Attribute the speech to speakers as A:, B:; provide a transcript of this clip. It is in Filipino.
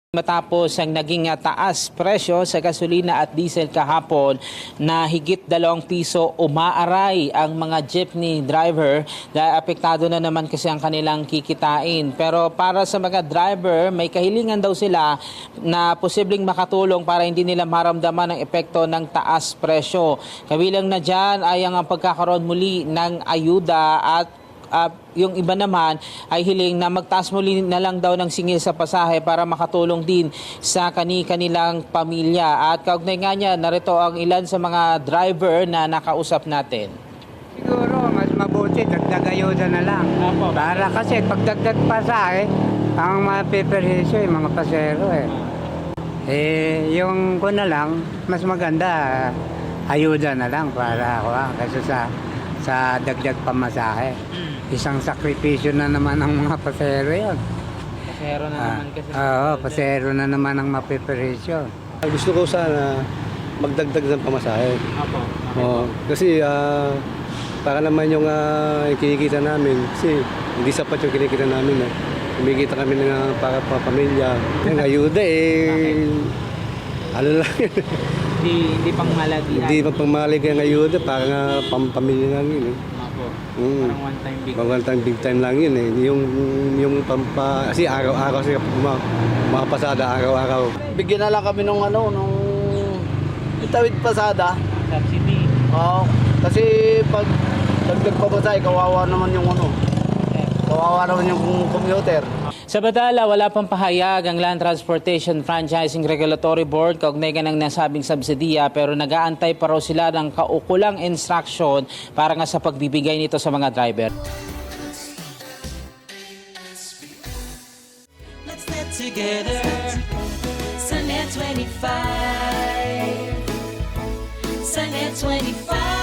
A: Matapos ang naging taas presyo sa gasolina at diesel kahapon na higit 2 piso umaaray ang mga jeepney driver dahil apektado na naman kasi ang kanilang kikitain. Pero para sa mga driver, may kahilingan daw sila na posibleng makatulong para hindi nila maramdaman ang epekto ng taas presyo. Kabilang na dyan ay ang pagkakaroon muli ng ayuda at yung iba naman ay hiling na magtaas muli na lang daw ng singil sa pasahe para makatulong din sa kanilang pamilya. At kaugnay nga niya, narito ang ilan sa mga driver na nakausap natin.
B: Siguro mas mabuti dagdag ayuda na lang. Para kasi pagdagdag pasahe, ang mapiperhisyo yung mga pasero yung ko na lang, mas maganda ayuda na lang para kasi sa dagdag pamasahe. Isang sakripisyo na naman ang mga pasero yun.
A: Pasero na naman kasi.
B: Oo, pasero na naman ang mapiperhisyo.
C: Gusto ko sana magdagdag ng pamasahe.
A: Apo.
C: Kasi para naman yung kinikita namin, kasi hindi sapat yung kinikita namin. Kumikita kami ng para pamilya. Yung ayuda ano lang yun.
A: Hindi pang malagi.
C: Hindi pa pangmalig ang ayuda, para nga pampamilya lang yun.
A: Apo.
C: Parang
A: one time big.
C: One time big time lang yun Yung kasi araw-araw siya mga pasada, araw-araw.
D: Bigyan na lang kami nung itawid pasada.
A: Subsidy.
D: Oo. Kasi pag dagdag pa ba tayo, kawawa naman yung commuter.
A: Sa Badala, wala pang pahayag ang Land Transportation Franchising Regulatory Board kaugnay ng nasabing subsidiya, pero nag-aantay pa raw sila ng kaukulang instruction para nga sa pagbibigay nito sa mga driver.
E: Let's get together. Sunnet 25. Sunnet 25.